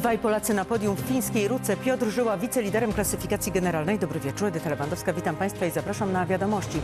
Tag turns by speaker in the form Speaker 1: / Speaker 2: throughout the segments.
Speaker 1: Dwaj Polacy na podium w fińskiej Ruce. Piotr Żyła, wiceliderem klasyfikacji generalnej. Dobry wieczór, Edyta Lewandowska. Witam Państwa i zapraszam na wiadomości.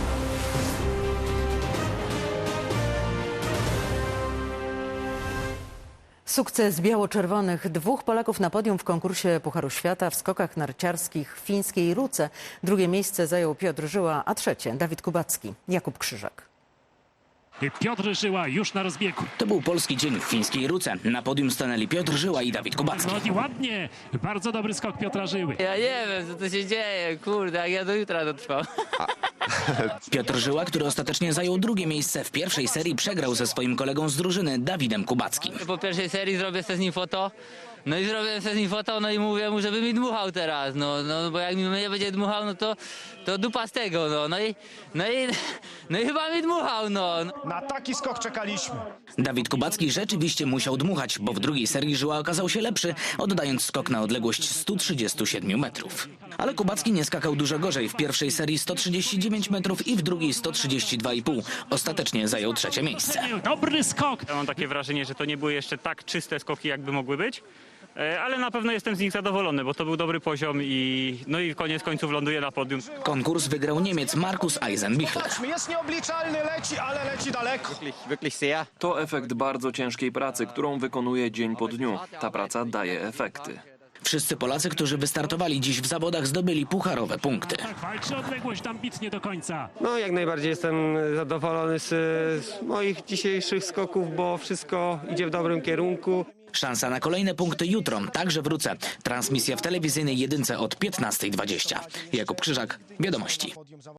Speaker 1: Sukces biało-czerwonych. Dwóch Polaków na podium w konkursie Pucharu Świata w skokach narciarskich w fińskiej Ruce. Drugie miejsce zajął Piotr Żyła, a trzecie Dawid Kubacki. Jakub Krzyżak.
Speaker 2: Piotr Żyła już na rozbiegu.
Speaker 3: To był polski dzień w fińskiej Ruce. Na podium stanęli Piotr Żyła i Dawid Kubacki.
Speaker 2: No i ładnie, bardzo dobry skok Piotra Żyły.
Speaker 4: Ja nie wiem, co tu się dzieje, kurde, jak ja do jutra dotrwam.
Speaker 3: Piotr Żyła, który ostatecznie zajął drugie miejsce w pierwszej serii, przegrał ze swoim kolegą z drużyny, Dawidem Kubackim.
Speaker 4: Po pierwszej serii zrobię se z nim foto, no i zrobię se z nim foto, no i mówię mu, żeby mi dmuchał teraz, no bo jak mi nie będzie dmuchał, no to dupa z tego, no i chyba mi dmuchał, no.
Speaker 5: Na taki skok czekaliśmy.
Speaker 3: Dawid Kubacki rzeczywiście musiał dmuchać, bo w drugiej serii Żyła okazał się lepszy, oddając skok na odległość 137 metrów. Ale Kubacki nie skakał dużo gorzej. W pierwszej serii 139 metrów i w drugiej 132,5. Ostatecznie zajął trzecie miejsce.
Speaker 2: Dobry skok.
Speaker 6: Ja mam takie wrażenie, że to nie były jeszcze tak czyste skoki, jakby mogły być. Ale na pewno jestem z nich zadowolony, bo to był dobry poziom i koniec końców ląduje na podium.
Speaker 3: Konkurs wygrał Niemiec Markus Eisenbichler.
Speaker 5: Jest nieobliczalny, leci, ale leci daleko.
Speaker 7: To efekt bardzo ciężkiej pracy, którą wykonuje dzień po dniu. Ta praca daje efekty.
Speaker 3: Wszyscy Polacy, którzy wystartowali dziś w zawodach, zdobyli pucharowe punkty.
Speaker 2: Tak, walczy odległość ambitnie do końca.
Speaker 8: No, jak najbardziej jestem zadowolony z moich dzisiejszych skoków, bo wszystko idzie w dobrym kierunku.
Speaker 3: Szansa na kolejne punkty jutro, także w Ruce. Transmisja w telewizyjnej jedynce od 15:20. Jakub Krzyżak, Wiadomości.